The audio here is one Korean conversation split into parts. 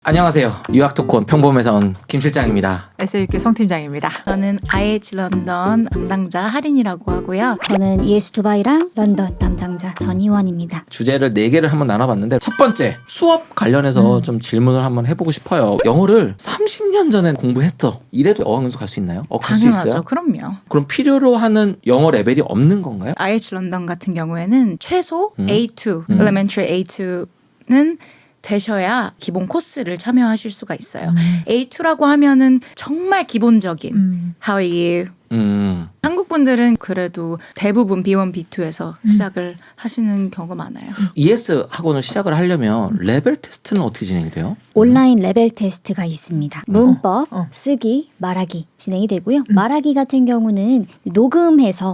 안녕하세요. 유학토콘 평범에서 온 김 실장입니다. SAUK 송 팀장입니다. 저는 IH 런던 담당자 하린이라고 하고요. 저는 ES 두바이랑 런던 담당자 전희원입니다. 주제를 4개를 한번 나눠봤는데 첫 번째 수업 관련해서 좀 질문을 한번 해보고 싶어요. 영어를 30년 전에 공부했어. 이래도 어학연수 갈 수 있나요? 갈 수 당연하죠. 있어요? 그럼요. 그럼 필요로 하는 영어 레벨이 없는 건가요? IH 런던 같은 경우에는 최소 A2, Elementary A2는 되셔야 기본 코스를 참여하실 수가 있어요. A2라고 하면은 정말 기본적인 How are you? 한국 분들은 그래도 대부분 B1, B2에서 시작을 하시는 경우가 많아요. ES 학원을 시작을 하려면 레벨 테스트는 어떻게 진행이 돼요? 온라인 레벨 테스트가 있습니다. 문법, 쓰기, 말하기 진행이 되고요. 말하기 같은 경우는 녹음해서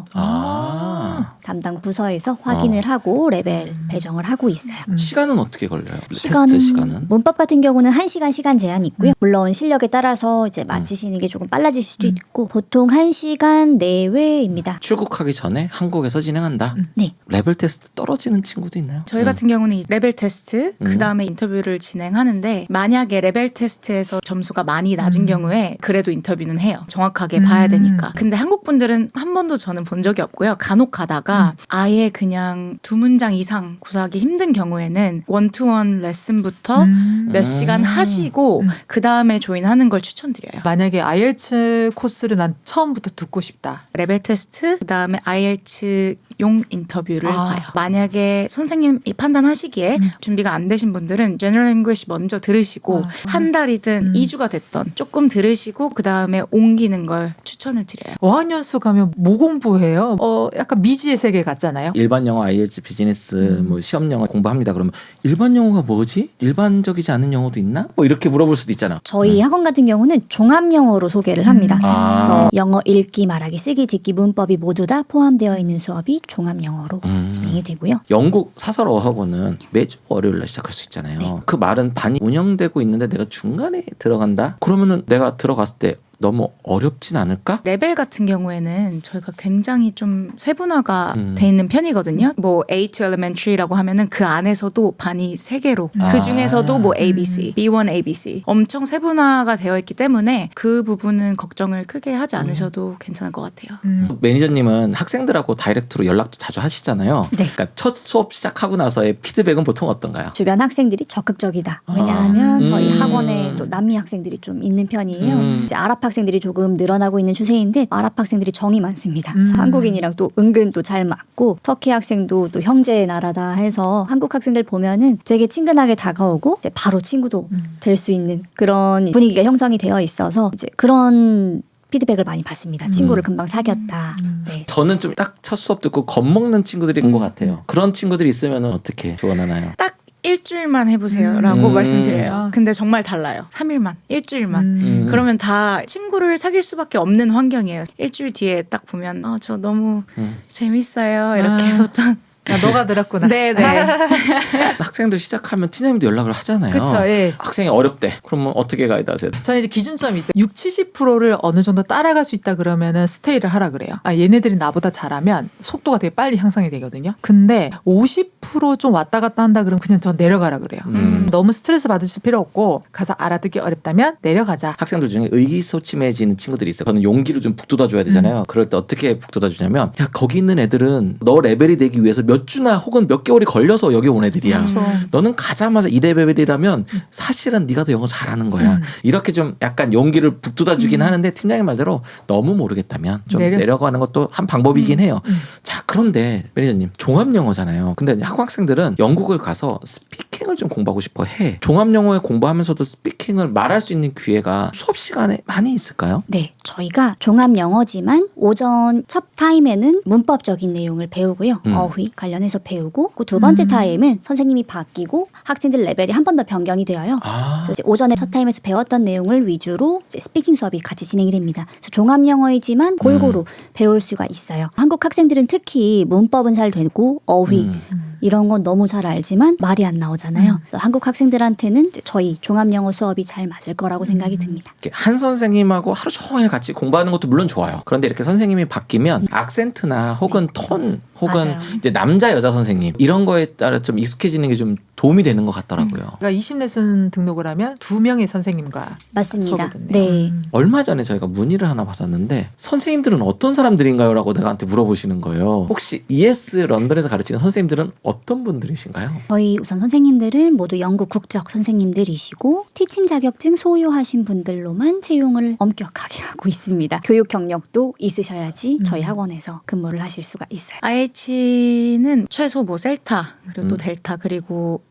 담당 부서에서 확인을 하고 레벨 배정을 하고 있어요. 시간은 어떻게 걸려요? 테스트 시간은? 문법 같은 경우는 1시간 시간 제한이 있고요. 물론 실력에 따라서 이제 마치시는 게 조금 빨라질 수도 있고 보통 1시간 내외입니다. 출국하기 전에 한국에서 진행한다? 네. 레벨 테스트 떨어지는 친구도 있나요? 저희 같은 경우는 이 레벨 테스트, 그 다음에 인터뷰를 진행하는데 만약에 레벨 테스트에서 점수가 많이 낮은 경우에 그래도 인터뷰는 해요. 정확하게 봐야 되니까. 근데 한국 분들은 한 번도 저는 본 적이 없고요. 간혹 가다가 아예 그냥 2문장 이상 구사하기 힘든 경우에는 원투원 레슨부터 몇 시간 하시고 그 다음에 조인하는 걸 추천드려요. 만약에 IELTS 코스를 난 처음부터 듣고 싶다. 레벨 테스트, 그 다음에 IELTS용 인터뷰를 봐요. 만약에 선생님이 판단하시기에 준비가 안 되신 분들은 General English 먼저 들으시고 한 달이든 2주가 됐던 조금 들으시고 그 다음에 옮기는 걸 추천을 드려요. 어학연수 가면 뭐 공부해요? 약간 미지의 세계 같잖아요. 일반 영어, IELTS, 비즈니스, 뭐 시험 영어 공부합니다. 그러면 일반 영어가 뭐지? 일반적이지 않은 영어도 있나? 뭐 이렇게 물어볼 수도 있잖아. 저희 학원 같은 경우는 종합 영어로 소개를 합니다. 그래서 영어 읽기, 말하기, 쓰기, 듣기, 문법이 모두 다 포함되어 있는 수업이 종합 영어로 진행이 되고요. 영국 사설 어학원은 매주 월요일 날 시작할 수 있잖아요. 네. 그 말은 반이 운영되고 있는데 내가 중간에 들어간다? 그러면은 내가 들어갔을 때 너무 어렵진 않을까? 레벨 같은 경우에는 저희가 굉장히 좀 세분화가 돼 있는 편이거든요. 뭐 A2 Elementary라고 하면은 그 안에서도 반이 3개로 그 중에서도 뭐 ABC, B1, ABC 엄청 세분화가 되어 있기 때문에 그 부분은 걱정을 크게 하지 않으셔도 괜찮을 것 같아요. 매니저님은 학생들하고 다이렉트로 연락도 자주 하시잖아요. 네. 그러니까 첫 수업 시작하고 나서의 피드백은 보통 어떤가요? 주변 학생들이 적극적이다. 왜냐하면 저희 학원에 또 남미 학생들이 좀 있는 편이에요. 이제 아랍 학생들이 조금 늘어나고 있는 추세인데 아랍 학생들이 정이 많습니다. 그래서 한국인이랑 또 은근 또 잘 맞고 터키 학생도 또 형제의 나라다 해서 한국 학생들 보면은 되게 친근하게 다가오고 이제 바로 친구도 될 수 있는 그런 분위기가 형성이 되어 있어서 이제 그런 피드백을 많이 받습니다. 친구를 금방 사귀었다. 네. 저는 좀 딱 첫 수업 듣고 겁먹는 친구들이 온 것 같아요. 그런 친구들이 있으면 어떻게 조언하나요? 딱 일주일만 해보세요라고 말씀드려요. 근데 정말 달라요. 3일만, 일주일만. 그러면 다 친구를 사귈 수밖에 없는 환경이에요. 일주일 뒤에 딱 보면 저 너무 재밌어요. 이렇게 보통. 야, 너가 들었구나. 네네. 학생들 시작하면 팀장님도 연락을 하잖아요. 그쵸, 예. 학생이 어렵대. 그러면 어떻게 가이드 하세요? 저는 이제 기준점이 있어요. 60~70%를 어느 정도 따라갈 수 있다 그러면은 스테이를 하라 그래요. 얘네들이 나보다 잘하면 속도가 되게 빨리 향상이 되거든요. 근데 50%좀 왔다 갔다 한다 그러면 그냥 전 내려가라 그래요. 너무 스트레스 받으실 필요 없고 가서 알아듣기 어렵다면 내려가자. 학생들 중에 의기소침해지는 친구들이 있어요. 저는 용기를 좀 북돋아줘야 되잖아요. 그럴 때 어떻게 북돋아주냐면 야 거기 있는 애들은 너 레벨이 되기 위해서 몇 주나 혹은 몇 개월이 걸려서 여기 온 애들이야. 그렇죠. 너는 가자마자 이 레벨이라면 사실은 네가 더 영어 잘하는 거야. 이렇게 좀 약간 용기를 북돋아주긴 하는데 팀장님 말대로 너무 모르겠다면 좀 내려가는 것도 한 방법이긴 해요. 자 그런데 매니저님 종합 영어잖아요. 근데 학생들은 영국을 가서 스피킹을 좀 공부하고 싶어 해. 종합 영어에 공부하면서도 스피킹을 말할 수 있는 기회가 수업 시간에 많이 있을까요? 네, 저희가 종합 영어지만 오전 첫 타임에는 문법적인 내용을 배우고요. 어휘 관련해서 배우고 그 두 번째 타임은 선생님이 바뀌고 학생들 레벨이 한 번 더 변경이 되어요. 그래서 이제 오전에 첫 타임에서 배웠던 내용을 위주로 이제 스피킹 수업이 같이 진행이 됩니다. 그래서 종합 영어이지만 골고루 배울 수가 있어요. 한국 학생들은 특히 문법은 잘 되고 어휘 이런 건 너무 잘 알지만 말이 안 나오잖아요. 그래서 한국 학생들한테는 이제 저희 종합 영어 수업이 잘 맞을 거라고 생각이 듭니다. 한 선생님하고 하루 종일 같이 공부하는 것도 물론 좋아요. 그런데 이렇게 선생님이 바뀌면 악센트나 혹은 톤 혹은 맞아요. 이제 남자 여자 선생님 이런 거에 따라 좀 익숙해지는 게 좀 도움이 되는 것 같더라고요. 그러니까 20레슨 등록을 하면 2명의 선생님과 맞습니다. 수업을 듣네요. 네. 얼마 전에 저희가 문의를 하나 받았는데 선생님들은 어떤 사람들인가요? 라고 내가 한테 물어보시는 거예요. 혹시 ES 런던에서 가르치는 선생님들은 어떤 분들이신가요? 저희 우선 선생님들은 모두 영국 국적 선생님들이시고 티칭 자격증 소유하신 분들로만 채용을 엄격하게 하고 있습니다. 교육 경력도 있으셔야지 저희 학원에서 근무를 하실 수가 있어요. IH는 최소 뭐 셀타 그리고 또 델타 그리고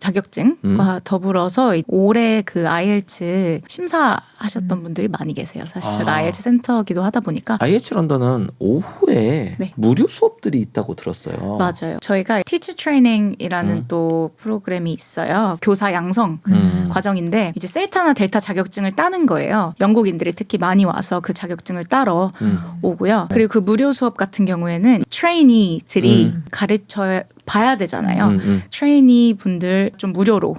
자격증과 더불어서 올해 그 IELTS 심사하셨던 분들이 많이 계세요. 사실 제가 IELTS 센터기도 하다 보니까 IH 런던은 오후에 네. 무료 수업들이 있다고 들었어요. 맞아요. 저희가 Teacher Training이라는 또 프로그램이 있어요. 교사 양성 과정인데 이제 셀타나 델타 자격증을 따는 거예요. 영국인들이 특히 많이 와서 그 자격증을 따러 오고요. 그리고 그 무료 수업 같은 경우에는 트레이니들이 가르쳐 봐야 되잖아요. 트레이니 분들 좀 무료로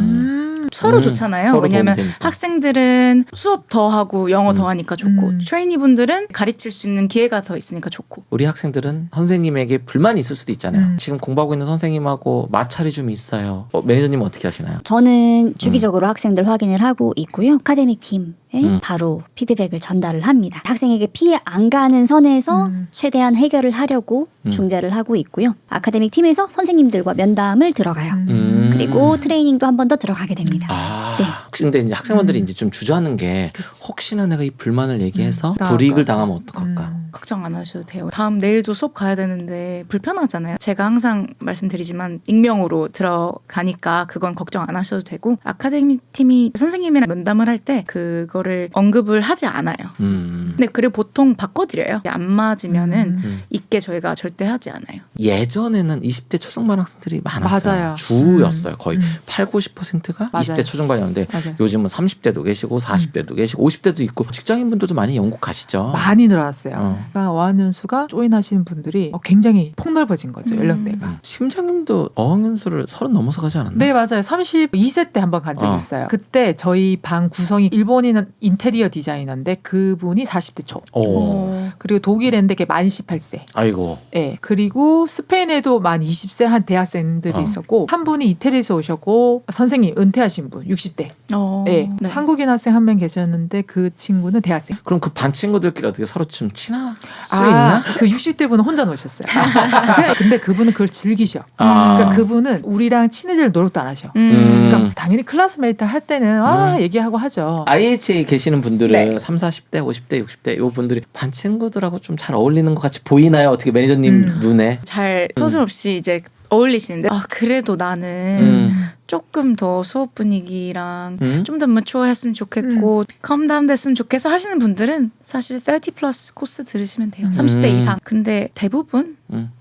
서로 좋잖아요. 서로 왜냐하면 도움이 되니까. 학생들은 수업 더 하고 영어 더 하니까 좋고 트레이니 분들은 가르칠 수 있는 기회가 더 있으니까 좋고. 우리 학생들은 선생님에게 불만이 있을 수도 있잖아요. 지금 공부하고 있는 선생님하고 마찰이 좀 있어요. 매니저님은 어떻게 하시나요? 저는 주기적으로 학생들 확인을 하고 있고요. 아카데믹 팀에 바로 피드백을 전달을 합니다. 학생에게 피해 안 가는 선에서 최대한 해결을 하려고 중재를 하고 있고요. 아카데믹 팀에서 선생님들과 면담을 들어가요. 그리고 트레이닝도 한 번 더 들어가게 됩니다. 네. 근데 이제 학생분들이 이제 좀 주저하는 게 혹시나 내가 이 불만을 얘기해서 불이익을 당하면 어떡할까? 걱정 안 하셔도 돼요. 다음 내일도 수업 가야 되는데 불편하잖아요. 제가 항상 말씀드리지만 익명으로 들어가니까 그건 걱정 안 하셔도 되고 아카데미 팀이 선생님이랑 면담을 할 때 그거를 언급을 하지 않아요. 근데 그리고 보통 바꿔드려요. 안 맞으면은 있게 저희가 절대 하지 않아요. 예전에는 20대 초중반 학생들이 많았어요. 맞아요. 주였어요. 거의 80~90%가 맞아요. 20대 초중반이었는데 맞아요. 요즘은 30대도 계시고 40대도 계시고 50대도 있고 직장인분들도 많이 영국 가시죠. 많이 늘어났어요. 그러니까 어학연수가 조인하시는 분들이 굉장히 폭넓어진 거죠. 연령대가. 심장님도 어학연수를 30 넘어서 가지 않았나? 네, 맞아요. 32세 때 한번 간 적이 있어요. 그때 저희 방 구성이 일본인 인테리어 디자이너인데 그분이 40대 초. 그리고 독일인데 걔 만 18세. 아이고. 네. 그리고 스페인에도 만 20세 한 대학생들이 있었고 한 분이 이태리에서 오셨고 선생님 은퇴하신 분 60대. 네. 한국인 학생 한 명 계셨는데 그 친구는 대학생. 그럼 그 반 친구들끼리 어떻게 서로 좀 친할 수 있나? 그 60대 분은 혼자 노셨어요. 근데 그분은 그걸 즐기셔. 아. 그러니까 그분은 우리랑 친해질 노력도 안 하셔. 음. 그러니까 당연히 클래스메이트 할 때는 얘기하고 하죠. IH에 계시는 분들은 네. 30, 40대, 50대, 60대 요 분들이 반 친구들하고 좀 잘 어울리는 것 같이 보이나요? 어떻게 매니저님 눈에? 잘 서슴없이 이제 어울리시는데 그래도 나는 조금 더 수업 분위기랑 좀 더 매추어했으면 좋겠고 컴다운 됐으면 좋겠어 하시는 분들은 사실 30 플러스 코스 들으시면 돼요. 30대 이상. 근데 대부분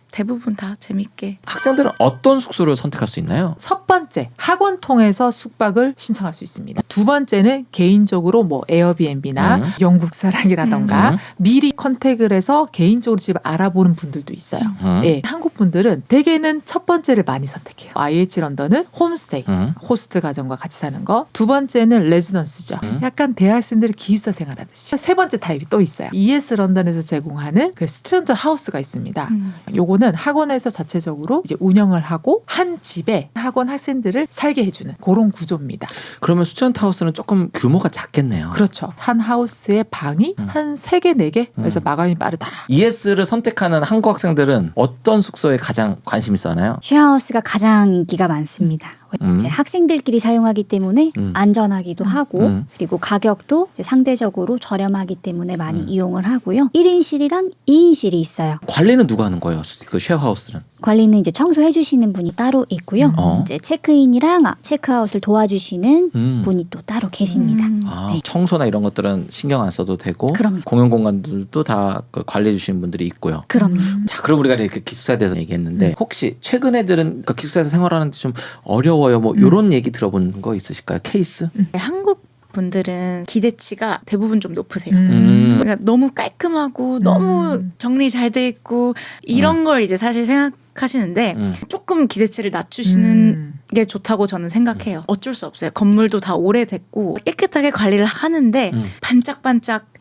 다 재밌게. 학생들은 어떤 숙소를 선택할 수 있나요? 첫 번째, 학원 통해서 숙박을 신청할 수 있습니다. 두 번째는 개인적으로 뭐 에어비앤비나 영국 사랑이라던가 미리 컨택을 해서 개인적으로 집을 알아보는 분들도 있어요. 예, 한국 분들은 대개는 첫 번째를 많이 선택해요. IH 런던은 홈스테이, 호스트 가정과 같이 사는 거. 두 번째는 레지던스죠. 약간 대학생들이 기숙사 생활하듯이. 세 번째 타입이 또 있어요. ES 런던에서 제공하는 그 스튜던트 하우스가 있습니다. 요거는 학원에서 자체적으로 이제 운영을 하고 한 집에 학원 학생들을 살게 해주는 그런 구조입니다. 그러면 스튜던트 하우스는 조금 규모가 작겠네요. 그렇죠. 한 하우스에 방이 한 3개, 4개? 그래서 마감이 빠르다. ES를 선택하는 한국 학생들은 어떤 숙소에 가장 관심 있어 하나요? 쉐어하우스가 가장 인기가 많습니다. 이제 학생들끼리 사용하기 때문에 안전하기도 하고 그리고 가격도 이제 상대적으로 저렴하기 때문에 많이 이용을 하고요. 1인실이랑 2인실이 있어요. 관리는 누가 하는 거예요? 그 쉐어하우스는? 관리는 이제 청소해 주시는 분이 따로 있고요. 이제 체크인이랑 체크아웃을 도와주시는 분이 또 따로 계십니다. 네. 청소나 이런 것들은 신경 안 써도 되고 그럼요. 공용 공간들도 다 관리해 주시는 분들이 있고요. 그럼요. 자, 그럼 우리가 이렇게 기숙사에 대해서 얘기했는데 혹시 최근 애들은 그러니까 기숙사에서 생활하는데 좀 어려워요. 뭐 이런 얘기 들어본 거 있으실까요? 케이스? 한국 분들은 기대치가 대부분 좀 높으세요. 그러니까 너무 깔끔하고 너무 정리 잘 돼 있고 이런 걸 이제 사실 생각하시는데 조금 기대치를 낮추시는 게 좋다고 저는 생각해요. 어쩔 수 없어요. 건물도 다 오래됐고 깨끗하게 관리를 하는데 반짝반짝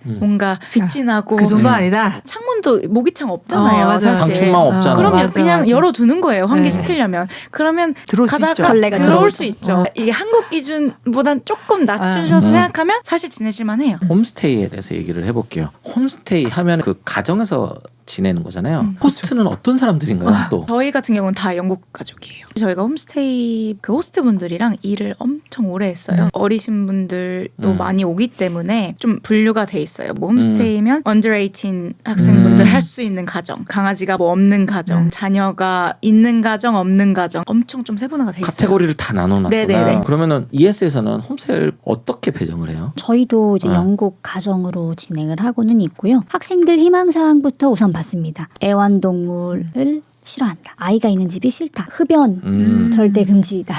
뭔가 빛이 나고 그 정도 아니다. 창문도 모기창 없잖아요. 맞아요. 사실. 방충망 없잖아. 그럼요. 맞아, 그냥 맞아. 열어두는 거예요. 네. 환기시키려면. 그러면 들어올 수 있죠. 가다가 걸레가 들어올 들어오죠. 수 있죠. 이게 한국 기준보단 조금 낮추셔서 생각하면 사실 지내실만 해요. 홈스테이에 대해서 얘기를 해볼게요. 홈스테이 하면 그 가정에서 지내는 거잖아요. 호스트는 어떤 사람들인가요? 또 저희 같은 경우는 다 영국 가족이에요. 저희가 홈스테이 그 호스트분들이랑 일을 엄청 오래 했어요. 어리신 분들도 많이 오기 때문에 좀 분류가 돼 있어요. 뭐 홈스테이면 under 18 학생분들 할 수 있는 가정, 강아지가 뭐 없는 가정, 자녀가 있는 가정, 없는 가정 엄청 좀 세분화가 돼 있어요. 카테고리를 다 나눠놨구나. 네네네. 그러면은 ES에서는 홈스테이를 어떻게 배정을 해요? 저희도 이제 영국 가정으로 진행을 하고는 있고요. 학생들 희망사항부터 우선 받습니다. 애완동물을 싫어한다. 아이가 있는 집이 싫다. 흡연 절대 금지이다.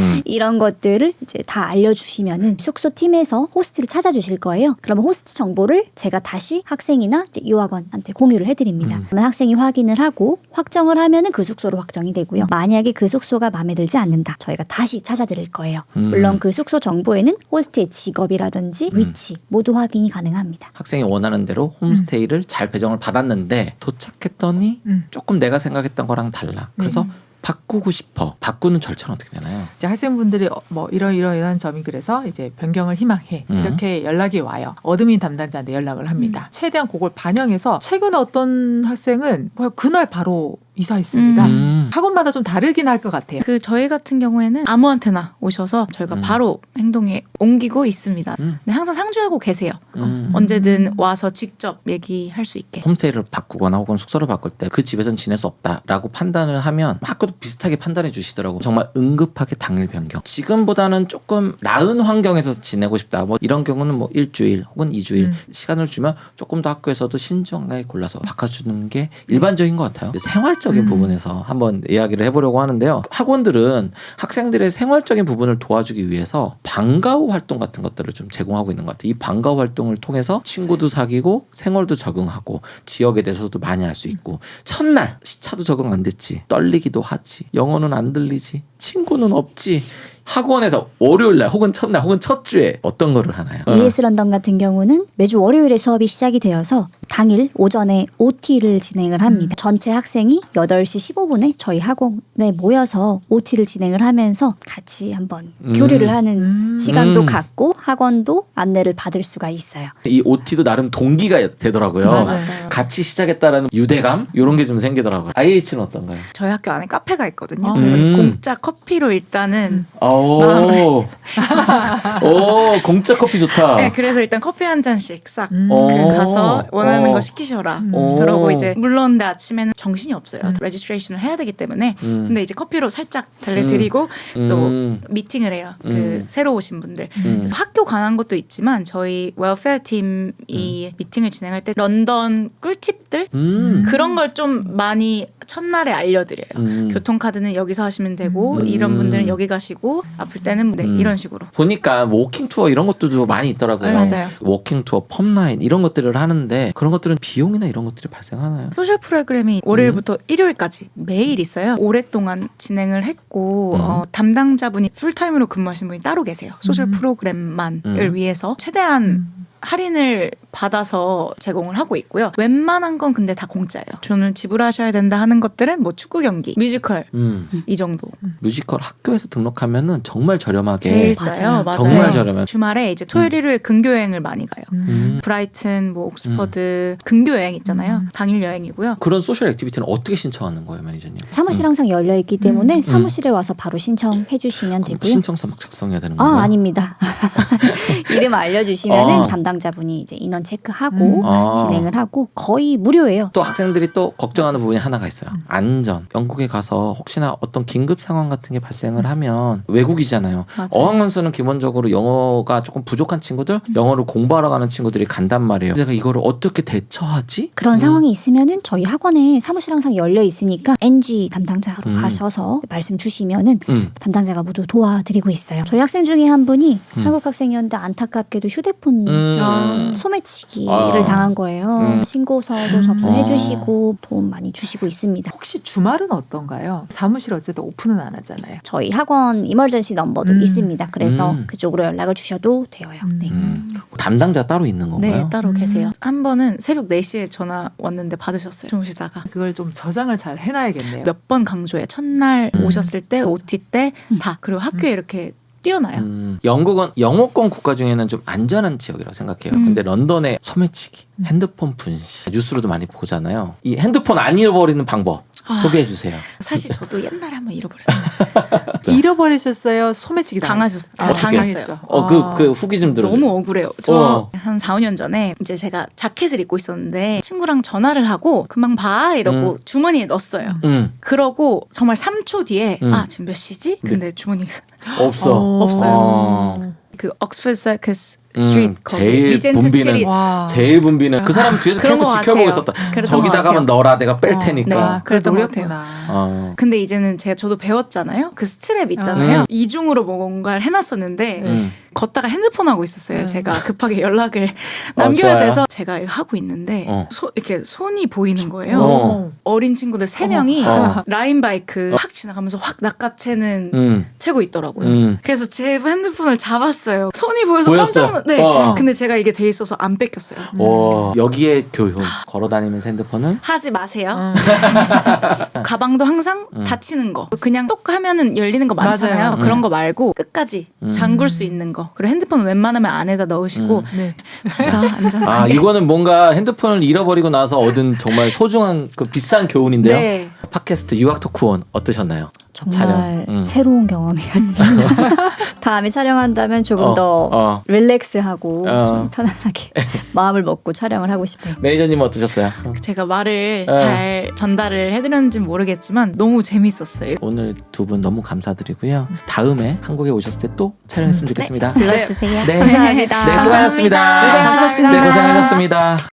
이런 것들을 이제 다 알려주시면은 숙소 팀에서 호스트를 찾아주실 거예요. 그러면 호스트 정보를 제가 다시 학생이나 이제 유학원한테 공유를 해드립니다. 그러면 학생이 확인을 하고 확정을 하면은 그 숙소로 확정이 되고요. 만약에 그 숙소가 마음에 들지 않는다. 저희가 다시 찾아드릴 거예요. 물론 그 숙소 정보에는 호스트의 직업이라든지 위치 모두 확인이 가능합니다. 학생이 원하는 대로 홈스테이를 잘 배정을 받았는데 도착했더니 조금 내가 생각했던 거랑 달라. 그래서 바꾸고 싶어. 바꾸는 절차는 어떻게 되나요? 이제 학생분들이 뭐 이런 점이 그래서 이제 변경을 희망해 이렇게 연락이 와요. 어드민 담당자한테 연락을 합니다. 최대한 그걸 반영해서 최근에 어떤 학생은 그날 바로 이사했습니다. 학원마다 좀 다르긴 할 것 같아요. 그 저희 같은 경우에는 아무한테나 오셔서 저희가 바로 행동에 옮기고 있습니다. 근데 항상 상주하고 계세요. 언제든 와서 직접 얘기할 수 있게. 홈스테이를 바꾸거나 혹은 숙소를 바꿀 때 그 집에서는 지낼 수 없다라고 판단을 하면 학교도 비슷하게 판단해 주시더라고. 정말 응급하게 당일 변경. 지금보다는 조금 나은 환경에서 지내고 싶다. 뭐 이런 경우는 뭐 일주일 혹은 2주일 시간을 주면 조금 더 학교에서도 신중하게 골라서 바꿔주는 게 일반적인 것 같아요. 생활적인 부분에서 한번 이야기를 해보려고 하는데요. 학원들은 학생들의 생활적인 부분을 도와주기 위해서 방과 후 활동 같은 것들을 좀 제공하고 있는 것 같아요. 이 방과 후 활동을 통해서 친구도 사귀고 생활도 적응하고 지역에 대해서도 많이 알 수 있고 첫날 시차도 적응 안 됐지. 떨리기도 하지. 영어는 안 들리지. 친구는 없지. 학원에서 월요일날 혹은 첫날 혹은 첫 주에 어떤 거를 하나요? ES 런던 같은 경우는 매주 월요일에 수업이 시작이 되어서 당일 오전에 OT를 진행을 합니다. 전체 학생이 8시 15분에 저희 학원에 모여서 OT를 진행을 하면서 같이 한번 교류를 하는 시간도 갖고 학원도 안내를 받을 수가 있어요. 이 OT도 나름 동기가 되더라고요. 맞아요. 같이 시작했다라는 유대감 이런 게 좀 생기더라고요. IH는 어떤가요? 저희 학교 안에 카페가 있거든요. 그래서 공짜 커피로 일단은 오, 공짜 커피 좋다. 네, 그래서 일단 커피 한 잔씩 싹 오. 가서 원하는 거 시키셔라. 오. 그러고 이제 물론 근데 아침에는 정신이 없어요. 레지스트레이션을 해야 되기 때문에. 근데 이제 커피로 살짝 달래드리고 또 미팅을 해요. 그 새로 오신 분들. 그래서 학교 관한 것도 있지만 저희 웰페어 팀이 미팅을 진행할 때 런던 꿀팁들 그런 걸 좀 많이 첫날에 알려드려요. 교통카드는 여기서 하시면 되고 이런 분들은 여기 가시고 아플 때는 네, 이런 식으로. 보니까 워킹 투어 이런 것들도 많이 있더라고요. 네, 맞아요. 워킹 투어, 펌라인 이런 것들을 하는데 그런 것들은 비용이나 이런 것들이 발생하나요? 소셜 프로그램이 월요일부터 일요일까지 매일 있어요. 오랫동안 진행을 했고 담당자분이 풀타임으로 근무하시는 분이 따로 계세요. 소셜 프로그램만을 위해서 최대한 할인을 받아서 제공을 하고 있고요. 웬만한 건 근데 다 공짜예요. 돈을 지불하셔야 된다 하는 것들은 뭐 축구 경기, 뮤지컬 이 정도. 뮤지컬 학교에서 등록하면은 정말 저렴하게 제일 싸요. 맞아요. 정말 저렴해. 주말에 이제 토요일 일요일 근교 여행을 많이 가요. 브라이튼, 뭐 옥스퍼드 근교 여행 있잖아요. 당일 여행이고요. 그런 소셜 액티비티는 어떻게 신청하는 거예요, 매니저님? 사무실 항상 열려 있기 때문에 사무실에 와서 바로 신청해 주시면 그럼 되고요. 신청서 막 작성해야 되는 거예요? 아닙니다. 이름 알려주시면은 담당자분이 이제 인원 체크하고 진행을 하고 거의 무료예요. 또 학생들이 또 걱정하는 부분이 하나가 있어요. 안전. 영국에 가서 혹시나 어떤 긴급 상황 같은 게 발생을 하면 외국이잖아요. 맞아요. 어학연수는 기본적으로 영어가 조금 부족한 친구들, 영어를 공부하러 가는 친구들이 간단 말이에요. 내가 이거를 어떻게 대처하지? 그런 상황이 있으면은 저희 학원에 사무실 항상 열려 있으니까 NG 담당자로 가셔서 말씀 주시면은 담당자가 모두 도와드리고 있어요. 저희 학생 중에 한 분이 한국 학생이었는데 안타깝게도 휴대폰 소매치 소매치기를 당한 거예요. 신고서도 접수해주시고 도움 많이 주시고 있습니다. 혹시 주말은 어떤가요? 사무실 어쨌든 오픈은 안 하잖아요. 저희 학원 이머전시 넘버도 있습니다. 그래서 그쪽으로 연락을 주셔도 돼요. 네. 담당자 따로 있는 건가요? 네, 따로 계세요. 한 번은 새벽 4시에 전화 왔는데 받으셨어요. 주무시다가. 그걸 좀 저장을 잘 해놔야겠네요. 몇 번 강조해. 첫날 오셨을 때, OT 때 다. 그리고 학교에 이렇게 뛰어나요. 영국은 영어권 국가 중에는 좀 안전한 지역이라고 생각해요. 근데 런던의 소매치기, 핸드폰 분실, 뉴스로도 많이 보잖아요. 이 핸드폰 안 잃어버리는 방법 소개해 주세요. 사실 저도 옛날에 한번 잃어버렸어요. 잃어버리셨어요? 소매치기 당하셨어요. 아, 당했어요. 그 후기 좀 들어요. 너무 억울해요. 저 한 4, 5년 전에 이제 제가 자켓을 입고 있었는데 친구랑 전화를 하고 금방 봐 이러고 주머니에 넣었어요. 그러고 정말 3초 뒤에 아 지금 몇 시지? 근데 주머니에 없어. 없어요. 그 옥스퍼드 서커스 스트리트 거기 제일 리젠트 붐비는 스트리트 제일 붐비는 그 사람 뒤에서 그런 계속 것 지켜보고 같아요. 있었다. 그랬던 저기다 것 가면 같아요. 넣어라 내가 뺄 테니까. 네. 그랬던 것 같아요. 노렸구나. 근데 이제는 저도 배웠잖아요. 그 스트랩 있잖아요. 이중으로 뭔가를 해놨었는데 걷다가 핸드폰 하고 있었어요. 제가 급하게 연락을 남겨야 좋아요. 돼서 제가 이거 하고 있는데 이렇게 손이 보이는 거예요. 어. 어린 친구들 3명이 어. 라인 바이크 확 지나가면서 확 낚아채는 채고 있더라고요. 그래서 제 핸드폰을 잡았어요. 손이 보여서 보였어? 깜짝 놀랐. 네. 어. 근데 제가 이게 돼 있어서 안 뺏겼어요. 여기에 교훈. 걸어다니면서 핸드폰은 하지 마세요. 가방도 항상 닫히는 거. 그냥 똑 하면은 열리는 거 많잖아요. 맞아요. 그런 거 말고 끝까지 잠글 수 있는 거. 그리고 핸드폰 웬만하면 안에다 넣으시고 네. 그래서 안전하게. 이거는 뭔가 핸드폰을 잃어버리고 나서 얻은 정말 소중한 그 비싼 교훈인데요. 네. 팟캐스트 유학 토크원 어떠셨나요? 정말 새로운 경험이었습니다. 다음에 촬영한다면 조금 더 릴렉스하고 좀 편안하게 마음을 먹고 촬영을 하고 싶어요. 매니저님은 어떠셨어요? 제가 말을 잘 전달을 해드렸는지는 모르겠지만 너무 재밌었어요. 오늘 두 분 너무 감사드리고요. 다음에 한국에 오셨을 때 또 촬영했으면 좋겠습니다. 불러주세요. 네. 감사합니다. 네, 수고하셨습니다. 감사합니다. 고생하셨습니다. 네, 고생하셨습니다.